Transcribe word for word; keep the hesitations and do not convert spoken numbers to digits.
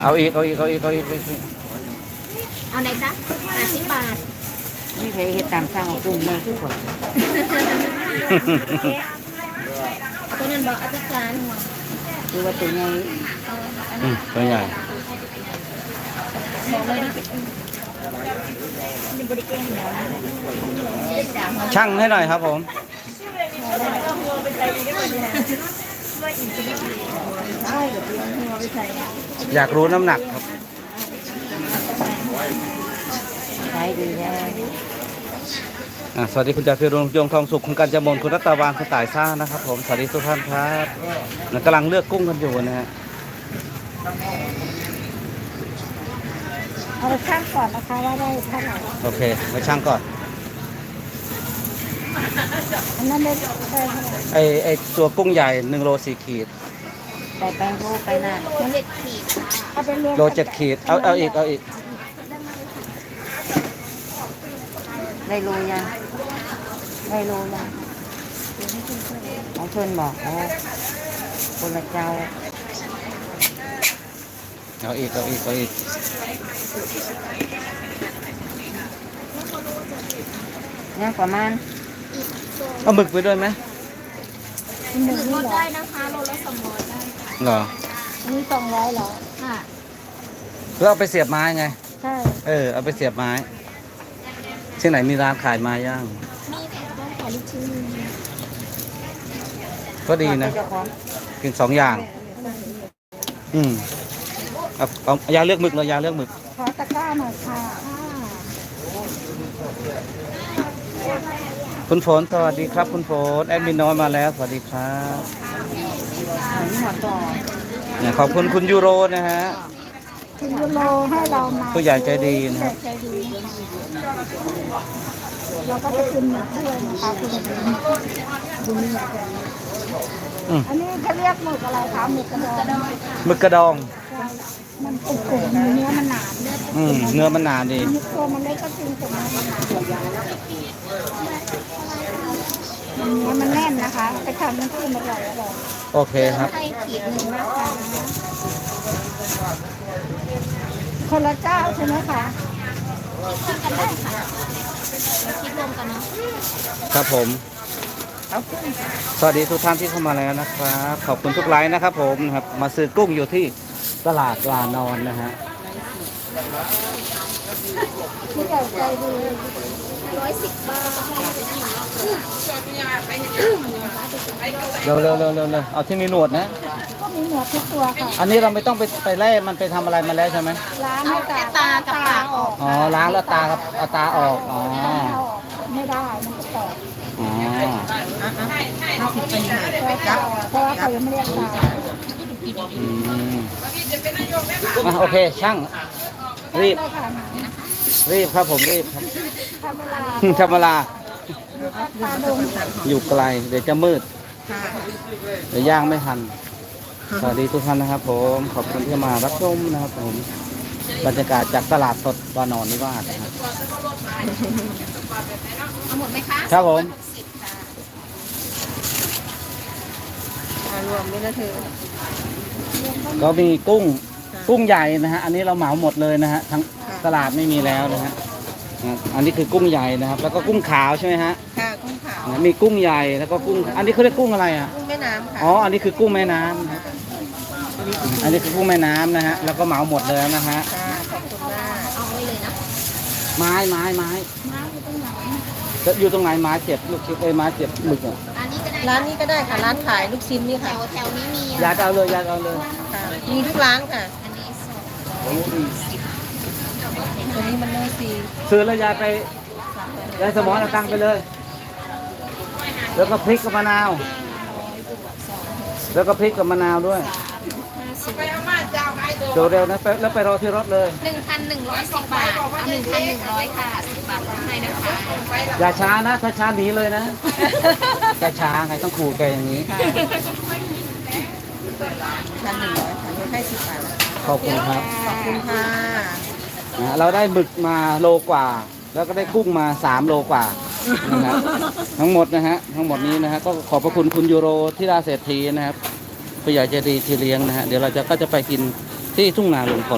เอาอีกเอาอีกเอาอีกเอาอีกเอาอีกเอาไหนจ๊ะแปดสิบบาทนี่เคยเห็ดตามสร้างของกลุ่มเลยทุกคนเอาตัวนั้นบอกเอาตัวจานหัวคือว่าตัวใหญ่อืมตัวใหญ่บอกเลยนะเป็นบริการเดี๋ยวนะช่างให้หน่อยครับผมใช่เดี๋ยวหัวไปใส่อยากรู้น้ำหนักครับขายดีแท้อ่ะสวัสดีคุณจ่าพิรุณยงทองสุขคุณกัญจมนคุณรัตวานคุณต่ายซ่านะครับผมสวัสดีทุกท่านครับกำลังเลือกกุ้งกันอยู่นะฮะเอาไปช่างก่อนนะคะว่าได้เท่าไหร่โอเคไปช่างก่อนอันนั้นได้ได้เท่าไหร่ไอไอตัวกุ้งใหญ่หนึ่งโลสี่ขีดไปแปงโลไปหน้ามันเจ็ดขีดเอาไปรวมโลเจ็ดขีดเอาเอาอีกเอาอีกได้โลยังได้โลยังของเพิ่นบอกอ๋อคนละเจ้าเอาอีกเอาอีกเอาอีกเนี่ยประมาณเอาหมึกไปด้วยไหมหนึ่งลดได้นะคะโลละสองร้อยได้เหรออันนี้สองร้อยเหรอค่ะแล้วเอาไปเสียบไม้ไงใช่เออเอาไปเสียบไม้ที่ไหนมีร้านขายไม้ย่างมีค่ะต้องขอลูกชิ้นหนึ่งก็ดีนะเจ้าของกินสองอย่าง อืมเอาเอายาเลือกหมึกเลยยาเลือกหมึกขอตะกร้าหน่อยค่ะคุณฝนสวัสดีครับคุณฝนแอดมินน้อยมาแล้วสวัสดีครับหันหัวต่อเนี่ยขอบคุณคุณยูโรนะฮะคุณยูโรให้เรามาผู้ใหญ่ใจดีนะครับใจดีเราก็จะกินหมึกด้วยนะคะคุณบุญมีอืมอันนี้เขาเรียกหมึกอะไรคะหมึกกระดองหมึกกระดองมันกรุบๆเนื้อมันหนาเนื้ออืมเนื้อมันหนาดีตัวมันเล็กก็จริงแต่เนื้อมันหนาเนื้อมันแน่นนะคะไปทำน้ำจิ้มอร่อยอร่อยโอเคครับให้ขีดหนึ่งนะคะคนละเจ้าใช่ไหมคะคิดกันได้ค่ะเราคิดรวมกันเนาะครับผมสวัสดีทุกท่านที่เข้ามาแล้วนะครับขอบคุณทุกไลน์นะครับผมนะครับมาซื้อกุ้งอยู่ที่ตลาดลานอนนะฮะผู้ใหญ่ใจดีร้อยสิบบาทเร็วเร็วเร็วเร็วเร็วเอาที่มีหนวดนะก็มีหนวดทุกตัวค่ะอันนี้เราไม่ต้องไปไปไล่มันไปทำอะไรมาแล้วใช่ไหมล้างให้ตาตากับปากออกอ๋อล้างแล้วตากับเอาตาออกอ๋อเอาออกไม่ได้มันจะแตกอ๋อห้าสิบปีเพราะว่าเขายังไม่เรียกตาอืมอ่ะโอเคช่างรีบได้ค่ะรีบครับผมรีบครับทำเวลาธรรมดาตาดงอยู่ไกลเดี๋ยวจะมืดเดี๋ยวย่างไม่ทันสวัสดีทุกท่านนะครับผมขอบคุณที่มารับชมนะครับผมบรรยากาศจากตลาดสดวานอนนิวาสนะครับเอาหมดไหมคะครับผมรวมนี่นะเธอก็มีกุ้งกุ้งใหญ่นะฮะอันนี้เราเหมาหมดเลยนะฮะทั้งตลาดไม่มีแล้วนะฮะนะอันนี้คือกุ้งใหญ่นะครับ แล้วก็กุ้งขาวใช่ไหมฮะค่ะกุ้งขาวมีกุ้งใหญ่แล้วก็กุ้งอันนี้เขาเรียกกุ้งอะไรอ่ะกุ้งแม่น้ำค่ะอ๋ออันนี้คือกุ้งแม่น้ำนะอันนี้คือกุ้งแม่น้ำนะฮะแล้วก็เหมาหมดเลยนะฮะค่ะขอบคุณมากเอาไว้เลยนะไม้ไม้ไม้น้ำอยู่ตรงไหนจะอยู่ตรงไหนไม้เจ็บลูกชิ้นเอ้ยไม้เจ็บหมึกอ่ะอันนี้ก็ได้ร้านนี้ก็ได้ค่ะร้านขายลูกชิ้นนี่แถค่ะวแถวนี้มียาดเอาเลยยาดเอาเลยค่ะมีทุกร้านค่ะอันนี้สดตัวนี้มันโลซีซื้อแล้วยายไปยายสมอนเอาตังค์ไปเลย แล้วก็พริกกับมะนาว แล้วก็พริกกับมะนาวด้วยห้าสิบเดี๋ยวเร็วนะไปแล้วไปรอที่รถเลยหนึ่งพันหนึ่งร้อยสิบบาทเอาหนึ่งพันหนึ่งร้อยค่ะสิบบาทลดให้นะคะอย่าช้านะถ้าช้าหนีเลยนะอย่าช้าไงต้องขู่แกอย่างนี้พันหนึ่งร้อยค่ะลดให้สิบบาทขอบคุณครับขอบคุณค่ะนะเราได้หมึกมาโลกว่า แล้วก็ได้กุ้งมาสามโลกว่านะครับทั้งหมดนะฮะทั้งหมดนี้นะฮะก็ขอบพระคุณคุณยูโรที่ราเศรษฐีนะครับผู้ใหญ่ใจดีที่เลี้ยงนะฮะเดี๋ยวเราจะก็จะไปกินที่ทุ่งนาลุงพล